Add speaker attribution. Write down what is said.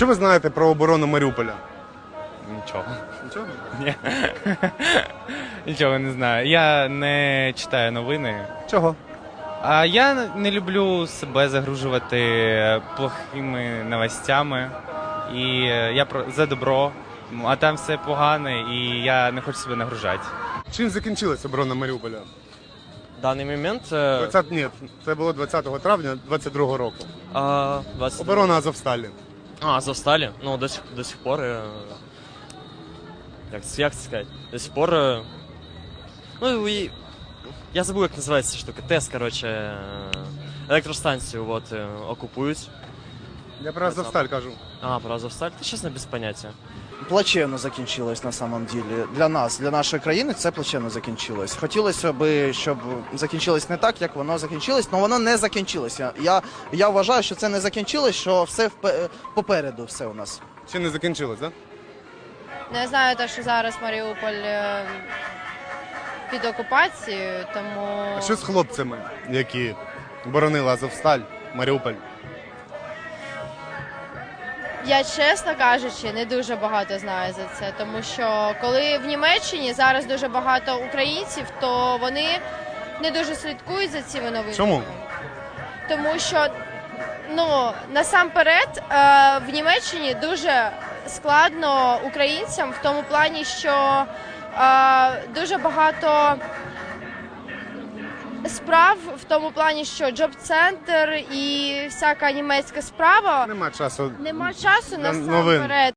Speaker 1: Що ви знаєте про оборону Маріуполя?
Speaker 2: Нічого.
Speaker 1: Нічого?
Speaker 2: Ні. Нічого не знаю. Я не читаю новини.
Speaker 1: Чого?
Speaker 2: А я не люблю себе загружувати плохими новостями. І я за добро, а там все погане, і я не хочу себе нагружати.
Speaker 1: Чим закінчилась оборона Маріуполя?
Speaker 3: В даний момент
Speaker 1: 20, ні, це було 20 травня 22 року.
Speaker 3: 20...
Speaker 1: Оборона Азовсталі.
Speaker 3: Азовсталі? Ну, до сих пор, як це сказати, до сих пор, ну, і, я забув, як називається ця штука, ТЕС, коротше, електростанцію, от, окупують.
Speaker 1: Я про Азовсталь кажу.
Speaker 3: Про Азовсталь? Та, чесно, без поняття.
Speaker 4: Плачевно закінчилось на самом деле. Для нас, для нашої країни це плачевно закінчилось. Хотілося б, щоб закінчилось не так, як воно закінчилось, але воно не закінчилося. Я вважаю, що це не закінчилось, що все попереду все у нас.
Speaker 1: Ще не закінчилось, так?
Speaker 5: Не знаю, те, що зараз Маріуполь під окупацією, тому...
Speaker 1: А що з хлопцями, які боронили Азовсталь, Маріуполь?
Speaker 5: Я, чесно кажучи, не дуже багато знаю за це, тому що коли в Німеччині зараз дуже багато українців, то вони не дуже слідкують за цими новинами.
Speaker 1: Чому?
Speaker 5: Тому що, ну, насамперед, в Німеччині дуже складно українцям в тому плані, що дуже багато справ в тому плані, що джоб-центр і всяка німецька справа.
Speaker 1: Нема часу.
Speaker 5: Нема часу
Speaker 1: для новин.
Speaker 5: насамперед.